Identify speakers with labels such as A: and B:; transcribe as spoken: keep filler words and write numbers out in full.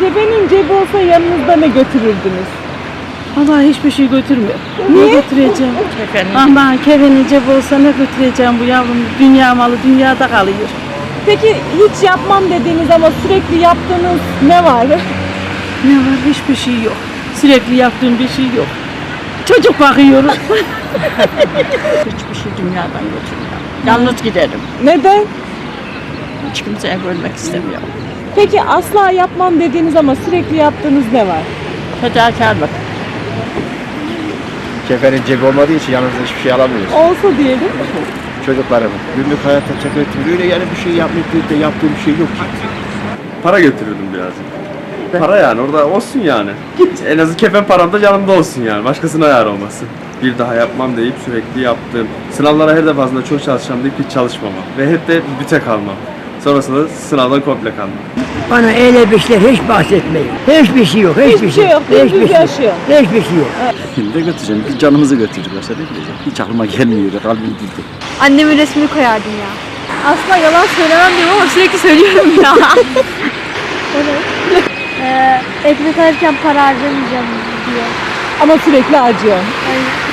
A: Cebinin cebi olsa yanınızda ne götürürdünüz?
B: Vallahi hiçbir şey götürmüyor.
A: Niye?
B: Ne götüreceğim?
C: Kefeni.
B: Aman kefeni cep olsa ne götüreceğim bu yavrum? Dünya malı dünyada kalıyor.
A: Peki hiç yapmam dediğiniz ama sürekli yaptığınız ne var?
B: Ne var? Hiçbir şey yok. Sürekli yaptığım bir şey yok. Çocuk bakıyoruz.
C: Hiçbir şey dünyadan götürmüyorum. Yalnız giderim.
A: Neden?
C: Hiç kimseye görmek istemiyorum.
A: Peki asla yapmam dediğiniz ama sürekli yaptığınız ne var?
C: Fedakarlık.
D: Kefenin cebi olmadığı için yanınızda hiçbir şey alamıyorsunuz.
A: Olsa diyelim.
D: Çocuklarım günlük hayatta çekmetim öyle yani bir şey yapmayıp da yaptığım bir şey yok ki.
E: Para götürürdüm birazcık. Para yani orada olsun yani. Git en azı kefen param da yanımda olsun yani. Başkasına ayar olmasın. Bir daha yapmam deyip sürekli yaptığım. Sınavlara her defasında çok çalışacağım deyip hiç çalışmamam. Ve hep de büte kalmam. Sonrasında sınavdan komple kalmam.
F: Bana öyle bir şeyler hiç bahsetmeyin. Hiçbir şey yok, hiçbir,
A: Hiçbir şey yok, dümdüz
F: hiçbir şey yok.
A: yaşıyor.
F: Hiçbir şey yok.
G: Ne götüreceğim? Biz canımızı götürdük. Başka ne bileceğim? Hiç aklıma gelmiyor. Kalbim gitti.
H: Annemin resmini koyardım ya. Asla yalan söylemem diyorum ama sürekli söylüyorum ya. evet. ee, ekmek alırken para harcamayacağım diye.
A: Ama sürekli acıyor.
H: Aynen.